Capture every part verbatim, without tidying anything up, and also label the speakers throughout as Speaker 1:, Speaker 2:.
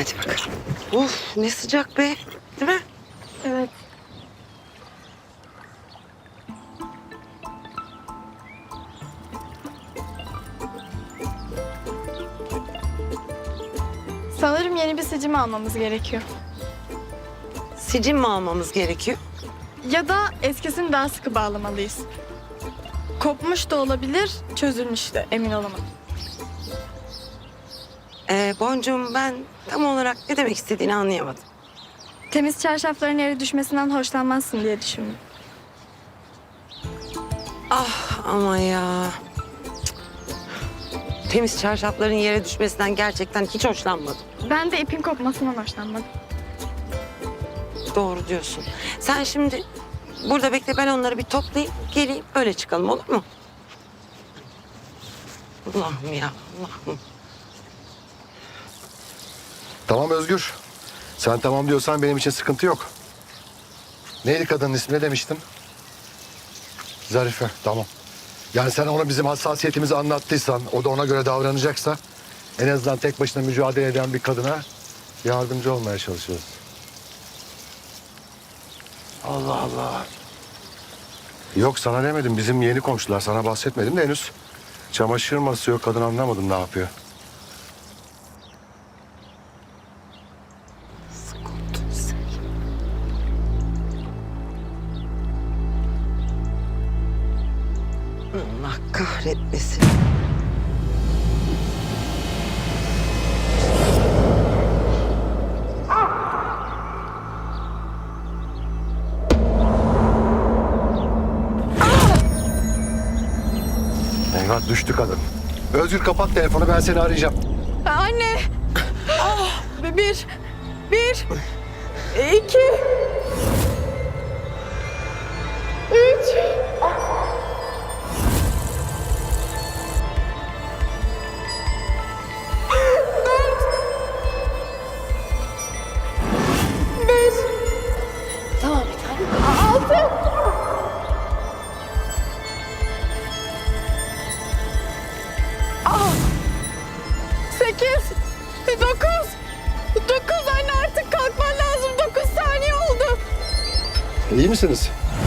Speaker 1: Hadi bakalım. Uf ne sıcak be. Değil mi?
Speaker 2: Evet. Sanırım yeni bir sicim almamız gerekiyor.
Speaker 1: Sicim mi almamız gerekiyor?
Speaker 2: Ya da eskisini daha sıkı bağlamalıyız. Kopmuş da olabilir, çözülmüş de emin olamadım.
Speaker 1: Ee, Boncuğum ben tam olarak ne demek istediğini anlayamadım.
Speaker 2: Temiz çarşafların yere düşmesinden hoşlanmazsın diye düşündüm.
Speaker 1: Ah ama ya. Cık. Temiz çarşafların yere düşmesinden gerçekten hiç hoşlanmadım.
Speaker 2: Ben de ipin kopmasından hoşlanmadım.
Speaker 1: Doğru diyorsun. Sen şimdi burada bekle, ben onları bir toplayayım geleyim öyle çıkalım, olur mu? Allah'ım ya Allah'ım.
Speaker 3: Tamam Özgür. Sen tamam diyorsan benim için sıkıntı yok. Neydi kadının ismi, ne demiştin? Zarife, tamam. Yani sen ona bizim hassasiyetimizi anlattıysan, o da ona göre davranacaksa... ...en azından tek başına mücadele eden bir kadına yardımcı olmaya çalışıyoruz. Allah Allah. Yok sana demedim, bizim yeni komşular, sana bahsetmedim de henüz. Çamaşır masası yok, kadın anlamadım ne yapıyor.
Speaker 1: Allah kahretmesin.
Speaker 3: Eyvah, düştü kadın. Özgür kapat telefonu, ben seni arayacağım.
Speaker 2: Anne! Ah! Bir, bir, iki, üç.
Speaker 1: Tamam bir tane.
Speaker 2: Sekiz, dokuz, dokuz anne artık kalkman lazım. Dokuz saniye oldu.
Speaker 3: İyi misiniz?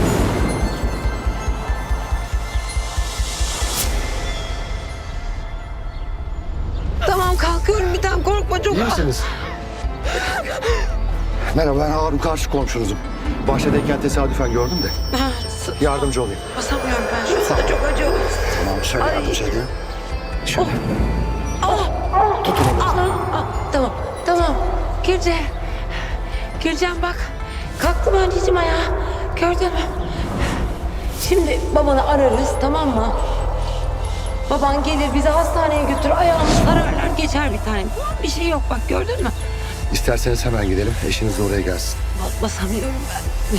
Speaker 1: Tamam kalkıyorum, bir tane korkma çok.
Speaker 3: İyi misiniz? Merhaba, ben Harun, karşı komşunuzum. Bahçedeyken tesadüfen gördüm de.
Speaker 1: Ha, s-
Speaker 3: Yardımcı olayım.
Speaker 1: basamıyorum ben şu anda, çok acıyor.
Speaker 3: Tamam, şöyle
Speaker 1: Ay.
Speaker 3: yardımcı edeyim. Şöyle.
Speaker 1: Ah,
Speaker 3: Tutun onu.
Speaker 1: ah, tamam tamam. Gülce. Gülcan bak. Kalktım anneciğim ayağa. Gördün mü? Şimdi babanı ararız, tamam mı? Baban gelir bizi hastaneye götür, ayağımız sararlar geçer bir tane. Bir şey yok bak, gördün mü?
Speaker 3: İsterseniz hemen gidelim, eşiniz de oraya gelsin.
Speaker 1: Bas- Basamıyorum ben.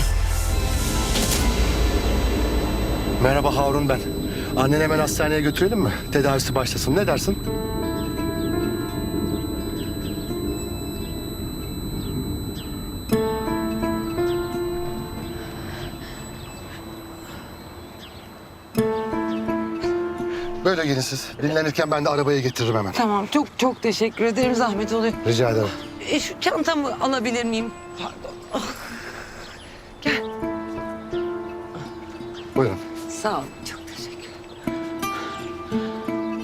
Speaker 3: Merhaba, Harun ben. Anneni hemen hastaneye götürelim mi? Tedavisi başlasın, ne dersin? Böyle gelin siz. Dinlenirken ben de arabayı getiririm hemen.
Speaker 1: Tamam, çok çok teşekkür ederim, zahmet oluyor.
Speaker 3: Rica ederim.
Speaker 1: E, şu çantamı alabilir miyim? Pardon. Ah. Gel.
Speaker 3: Buyurun.
Speaker 1: Sağ ol, çok teşekkür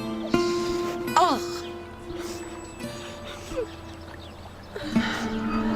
Speaker 1: ederim. Ah.